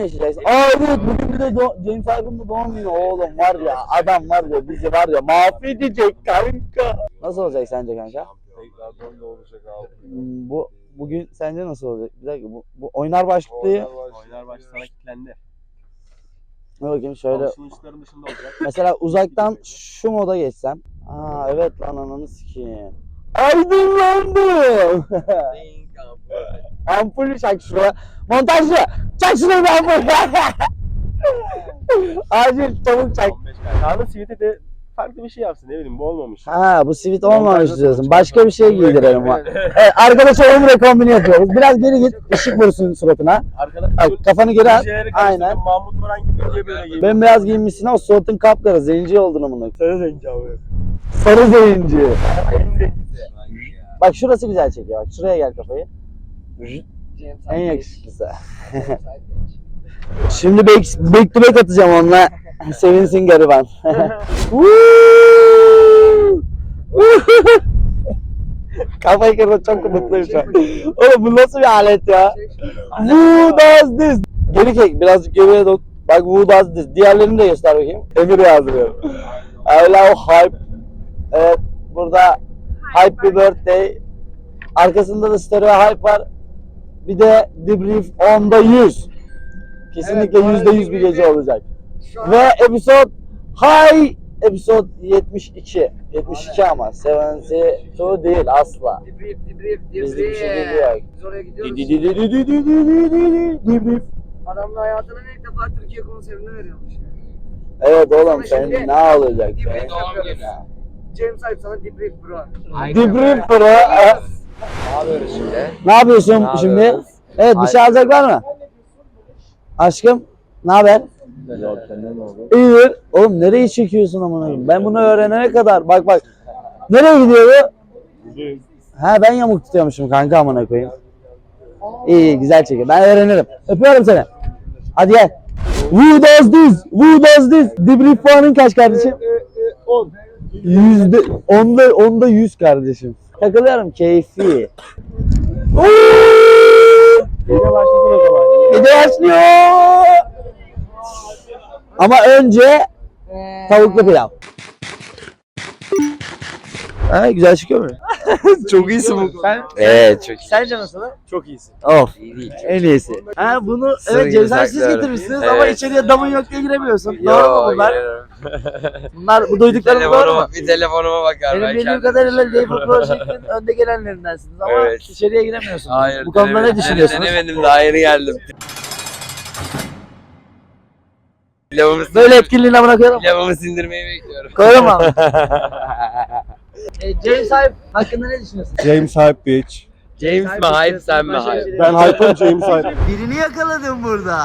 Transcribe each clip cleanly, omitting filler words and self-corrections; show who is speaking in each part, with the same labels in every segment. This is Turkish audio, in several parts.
Speaker 1: yaşayacaksın. Aa evet, bugün bir de James Harden'ın doğum günü oğlum, var ya adam var ya bizi var ya mahvedecek kanka. Nasıl olacak sence kanka?
Speaker 2: Tekrardan da olacak abi.
Speaker 1: Bugün sence nasıl olacak? Bir dakika, bu oynar başlığı.
Speaker 2: Oynar baş sana kilitlendi.
Speaker 1: Ne bakayım şöyle.
Speaker 2: Alışverişlerin dışında olacak.
Speaker 1: Mesela uzaktan şu moda geçsem. Aa evet lan, ananı sikeyim. Aydınlandım. Ampul çak şuraya. Montajcı çak şuraya bir ampul. Acil çabuk çak.
Speaker 2: Kanka Sivit'e de farklı bir şey yapsın, ne bileyim, bu olmamış.
Speaker 1: Ha, bu sivit olmamış diyorsun. Başka bir şey giydirelim. Evet, arkadaşa omre kombini yapıyoruz. Biraz geri git, ışık vursun suratına. Bak, kafanı geri at. Aynen.
Speaker 2: Mahmut Baran gibi diye böyle giymiş.
Speaker 1: Ben beyaz giyinmişsin ama suratın kapkara, zenci oldun amına.
Speaker 2: Sarı zenci abi.
Speaker 1: Sarı zenci. Bak şurası güzel çekiyor. Bak şuraya gel kafayı. En yakışıklısı. Şimdi back to back atacağım onunla. Sevinsin gariban. Kafayı kırdım, çok mutluyum şu an. Oğlum bu nasıl bir alet ya? Who does this? Geri çek, birazcık geriye doğru. Bak who does this? Diğerlerini de göster bakayım. Emir yazdırıyor. I love hype. Evet, burada hype bir birthday. Arkasında da stereo hype var. Bir de debrief 10'da 100. Kesinlikle %100 bir gece olacak. Ve episode 72. 72 ama 72 değil asla. Bizde bir şey geliyor.
Speaker 3: Biz oraya gidiyoruz.
Speaker 1: Debrief.
Speaker 3: Adamla hayatının ilk defa Türkiye konserini veriyormuş.
Speaker 1: Evet oğlum, sen ne olacak?
Speaker 3: Debrief yapıyoruz. James Hype sana debrief bro.
Speaker 1: Debrief bro.
Speaker 4: Ne yapıyoruz şimdi?
Speaker 1: Ne yapıyorsun şimdi? Evet, bir şey alacaklar mı? Aşkım, ne haber? İyidir. Oğlum nereyi çekiyorsun amına koyayım? Ben bunu öğrenene kadar bak. Nereye gidiyor bu? Ha, ben yamuk tutuyormuşum kanka amına koyayım. İyi, güzel çekiyor. Ben öğrenirim. Öpüyorum seni. Hadi gel. Who does this? Who does this? Debrief puanın kaç kardeşim?
Speaker 2: 10.
Speaker 1: Onda 100 kardeşim. Takılıyorum, keyfi.
Speaker 2: Gece başlasın o zaman.
Speaker 1: Gece başlıyor. Ama önce tavuklu pilav. Ha, güzel çıkıyor mu?
Speaker 4: Çok iyisin bu.
Speaker 1: Evet,
Speaker 4: çok iyi.
Speaker 1: Sence nasıl?
Speaker 2: Çok iyisin.
Speaker 1: Of,
Speaker 4: İyi değil.
Speaker 1: en iyisi. Ha, bunu
Speaker 4: Sır
Speaker 1: evet
Speaker 4: gibi
Speaker 1: cezasız
Speaker 4: saklıyorum.
Speaker 1: getirmişsiniz
Speaker 4: Evet.
Speaker 1: ama içeriye damın yok diye giremiyorsun. Doğru mu bunlar? Bunlar bu duyduklarım doğru mu?
Speaker 4: Bir telefonuma bakar.
Speaker 1: Benim
Speaker 4: ben
Speaker 1: bildiğim
Speaker 4: kendim
Speaker 1: kadarıyla
Speaker 4: düşünüyorum.
Speaker 1: Label Project'in önde gelenlerindensiniz ama
Speaker 4: Evet.
Speaker 1: içeriye giremiyorsunuz.
Speaker 4: Hayır.
Speaker 1: Bu konuda ne düşünüyorsunuz?
Speaker 4: Denemedim, daha yeni geldim.
Speaker 1: Böyle etkinliğine bırakıyorum.
Speaker 4: Pilavımı sindirmeyi bekliyorum.
Speaker 1: Koyalım abi. James Hype hakkında ne düşünüyorsun?
Speaker 2: James Hype bitch.
Speaker 4: James mi hype, sen mi hype?
Speaker 2: Ben Hype'ım, James Hype.
Speaker 1: Birini yakaladım burada.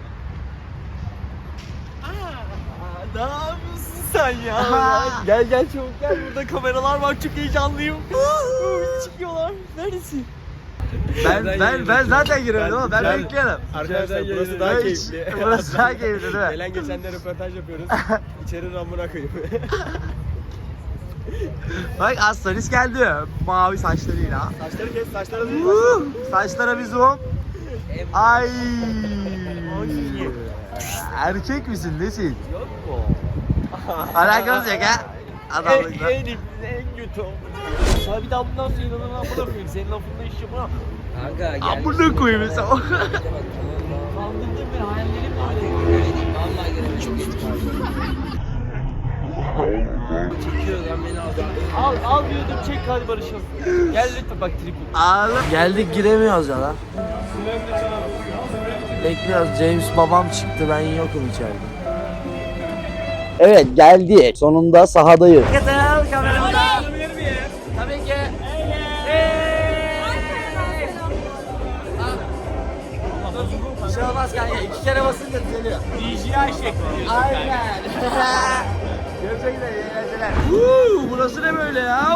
Speaker 5: Ne yapıyorsun sen ya? Gel çabuk gel, burada kameralar var, çok heyecanlıyım. Çıkıyorlar. Neredesin?
Speaker 1: Ben zaten giriyorum ama ben bekliyorum.
Speaker 2: Arkadaşlar burası daha keyifli.
Speaker 1: Burası daha keyifli değil mi?
Speaker 2: Gelen geçenle röportaj yapıyoruz. İçeri ramına koyayım.
Speaker 1: Bak Astonis geldi. Mavi saçlarıyla.
Speaker 2: Saçları kes, saçları değil.
Speaker 1: Saçlara bir zoom. Ay. Erkek misin, nesin?
Speaker 5: Yok mu?
Speaker 1: Alakamız yok ha. Adamlıkla.
Speaker 5: En kötü olmuş. Sana bir daha bundan sonra inanın amına koyayım. Senin lafında iş yapamam.
Speaker 4: Kanka gel.
Speaker 1: Amına koyayım mesela.
Speaker 5: Kandırdın beni, hayallerim
Speaker 4: Vallahi gerek çok iyi. Çekiyor lan beni al.
Speaker 5: Al diyordum, çek hadi barışalım. Gel lütfen bak tripim.
Speaker 1: Ağlam. Geldik, giremiyoruz ya lan. Bekliyoruz. James babam çıktı, ben yokum içeride. Evet, geldi. Sonunda sahadayız. Katıl kameramda. Tabii ki. Bir şey olmaz kanka. 2 kere basınca düzeliyor.
Speaker 5: DJI şekli.
Speaker 1: Aynen. Görüşmek üzere. İyi eğlenceler. Burası ne böyle ya?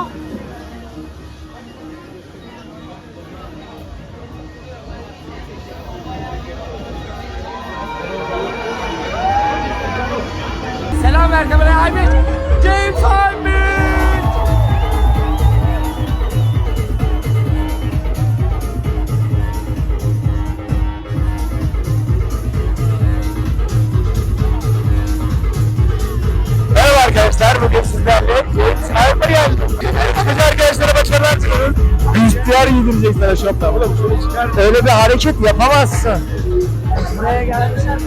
Speaker 1: Selam ver kameraya Aybit. James Aybit. çıkarız. İhtiyar giydirecek sana şopta.
Speaker 2: Oğlum şöyle çıkar.
Speaker 1: Öyle bir hareket yapamazsın.
Speaker 3: Buraya gelmişler.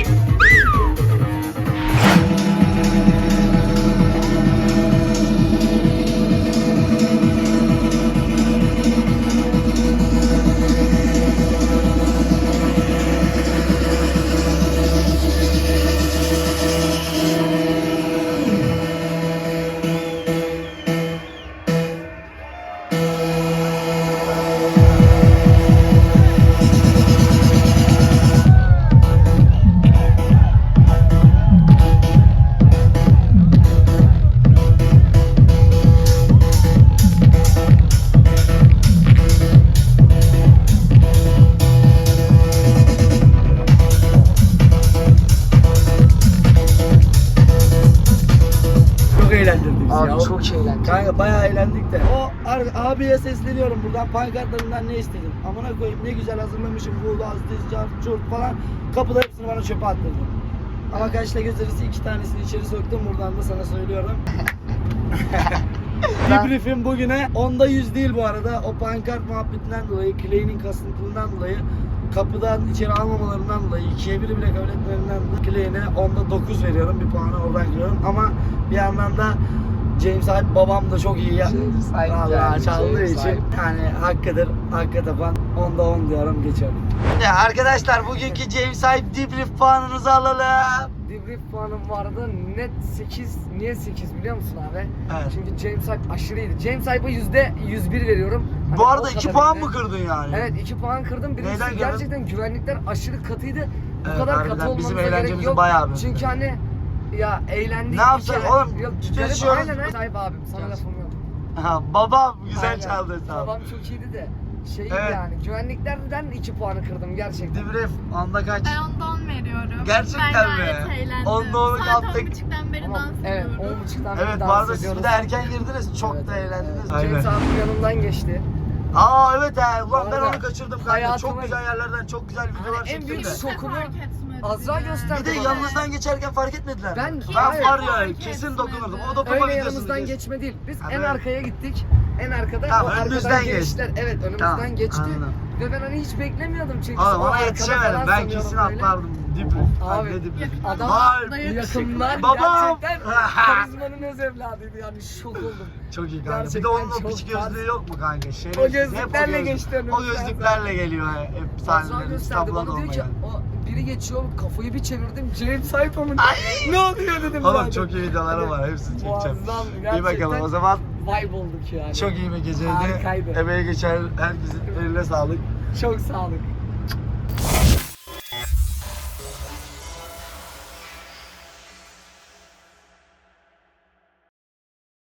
Speaker 1: Çok eğlendirdi bizi
Speaker 3: Abi
Speaker 1: ya.
Speaker 3: çok eğlendim.
Speaker 1: Kanka bayağı eğlendik de. O abiye sesleniyorum buradan, pankartlarından ne istedin? Amına koyayım ne güzel hazırlamışım bu gaz, diz, car, çurt falan. Kapıda hepsini bana çöpe attırdın. Ama kaçta gösterisi 2 tanesini içeri soktum, buradan da sana söylüyorum. Debrief'im bugüne 10'da 100 değil bu arada. O pankart muhabbetinden dolayı, Clay'nin kasıntılığından dolayı, kapıdan içeri almamalarından dolayı, 2'ye 1'i bile kabul etmelerinden dolayı Clay'ine 10'da 9 veriyorum. Bir puanı oradan kırıyorum. Ama bir yandan da James Hype babam da çok iyi ya.
Speaker 3: James Hype
Speaker 1: Vallahi
Speaker 3: geldi,
Speaker 1: çaldığı
Speaker 3: James
Speaker 1: için
Speaker 3: Hype.
Speaker 1: yani hakkıdır, hakka tapan 10'da 10 diyorum, geçiyorum. Ya arkadaşlar bugünkü James Hype debrief puanınızı alalım.
Speaker 3: Debrief puanım vardı net 8. Niye 8 biliyor musun abi?
Speaker 1: Evet.
Speaker 3: Çünkü James Hype aşırıydı. James Hype'a %101 veriyorum. Hani
Speaker 1: Bu
Speaker 3: o
Speaker 1: arada 2
Speaker 3: kadar
Speaker 1: puan
Speaker 3: iyiydi.
Speaker 1: mı kırdın yani?
Speaker 3: Evet 2 puan kırdım. Birincisi
Speaker 1: Neyden kırdın?
Speaker 3: gerçekten güvenlikler aşırı katıydı. Bu
Speaker 1: Evet,
Speaker 3: kadar
Speaker 1: harbiden
Speaker 3: katı
Speaker 1: bizim
Speaker 3: olmanıza gerek
Speaker 1: eğlencemizi
Speaker 3: yok.
Speaker 1: bayağı büyüttü.
Speaker 3: Çünkü hani ya eğlendik.
Speaker 1: Ne yapsak
Speaker 3: bir kere-
Speaker 1: oğlum?
Speaker 3: Yok,
Speaker 1: Çalışıyoruz.
Speaker 3: aynen aynen. Sahip abim sana lafım yok.
Speaker 1: Ha, babam güzel
Speaker 3: Aynen.
Speaker 1: çaldı sağ ol.
Speaker 3: Babam çok iyiydi de. Şeydi
Speaker 1: Evet.
Speaker 3: yani güvenliklerden 2 puanı kırdım gerçekten.
Speaker 1: Debrief anda kaç?
Speaker 6: Ben ondan 10 veriyorum.
Speaker 1: Gerçekten
Speaker 6: ben
Speaker 1: mi?
Speaker 6: gayet eğlendim.
Speaker 1: Onda onu
Speaker 6: Saat
Speaker 1: kaptık.
Speaker 6: 10.30'dan beri
Speaker 3: Ama
Speaker 6: dans
Speaker 3: evet
Speaker 6: ediyorum.
Speaker 3: 10.30'dan beri
Speaker 1: Evet bu
Speaker 3: dans
Speaker 1: arada siz
Speaker 3: ediyoruz.
Speaker 1: bir de erken girdiniz, çok
Speaker 3: Evet,
Speaker 1: da eğlendiniz.
Speaker 3: James abim yanımdan geçti.
Speaker 1: Aa evet ha, ulan ben
Speaker 3: Arada
Speaker 1: onu kaçırdım kanka. Çok
Speaker 3: hayatıma-
Speaker 1: güzel yerlerden çok güzel videolar
Speaker 3: Hani en
Speaker 1: çektim
Speaker 3: büyük
Speaker 1: de.
Speaker 6: Hiç de
Speaker 3: şokumu
Speaker 6: fark etmedi
Speaker 3: Azra
Speaker 6: yani.
Speaker 3: gösterdi
Speaker 1: Bir de
Speaker 3: bana.
Speaker 1: yanınızdan geçerken fark etmediler.
Speaker 3: Ben-
Speaker 1: ben
Speaker 3: Hayır.
Speaker 1: var ya
Speaker 6: Fark
Speaker 1: kesin
Speaker 6: etmedi.
Speaker 1: dokunurdum. O dokunma
Speaker 3: Öyle
Speaker 1: videosunu
Speaker 3: yanımızdan
Speaker 1: kes.
Speaker 3: geçme değil. Biz
Speaker 1: Ha,
Speaker 3: en
Speaker 1: böyle.
Speaker 3: arkaya gittik. En arkada
Speaker 1: Tamam,
Speaker 3: o
Speaker 1: önünüzden
Speaker 3: arkadan
Speaker 1: geçti.
Speaker 3: geçtiler. Evet önümüzden
Speaker 1: Tamam,
Speaker 3: geçti.
Speaker 1: anladım.
Speaker 3: Ve ben hani hiç beklemiyordum çünkü.
Speaker 1: Oğlum
Speaker 3: o
Speaker 1: ona
Speaker 3: arkada
Speaker 1: yetişemedim.
Speaker 3: falan
Speaker 1: Ben
Speaker 3: sanıyorum
Speaker 1: kesin
Speaker 3: böyle.
Speaker 1: atlardım. Debrief.
Speaker 3: Abi,
Speaker 1: Ne debrief?
Speaker 3: Adam
Speaker 1: Harbi.
Speaker 3: yakınlar
Speaker 1: Babam.
Speaker 3: gerçekten karizmanın öz evladıydı yani şok oldum.
Speaker 1: Çok iyi kanka. Bir de
Speaker 3: Gerçekten
Speaker 1: onun o
Speaker 3: çok
Speaker 1: piç gözlüğü yok mu kanka? Şerefsiz.
Speaker 3: O gözlüklerle
Speaker 1: Hep o
Speaker 3: geçti önümüzden.
Speaker 1: O gözlüklerle geliyor hep
Speaker 3: Azra
Speaker 1: sahnelerinde.
Speaker 3: gösterdi
Speaker 1: İstanbul'da
Speaker 3: bana diyor ki
Speaker 1: olmayan.
Speaker 3: o biri geçiyor kafayı bir çevirdim James Hype mı? Ne oluyor dedim
Speaker 1: Oğlum
Speaker 3: zaten.
Speaker 1: çok iyi videoları var. Hepsini çekeceğim.
Speaker 3: Muazzam,
Speaker 1: İyi
Speaker 3: gerçekten
Speaker 1: bakalım o zaman.
Speaker 3: Vibe olduk yani.
Speaker 1: Çok iyi bir geceydi.
Speaker 3: Harikaydı.
Speaker 1: Emeği geçen herkesin eline sağlık.
Speaker 3: Çok sağlık.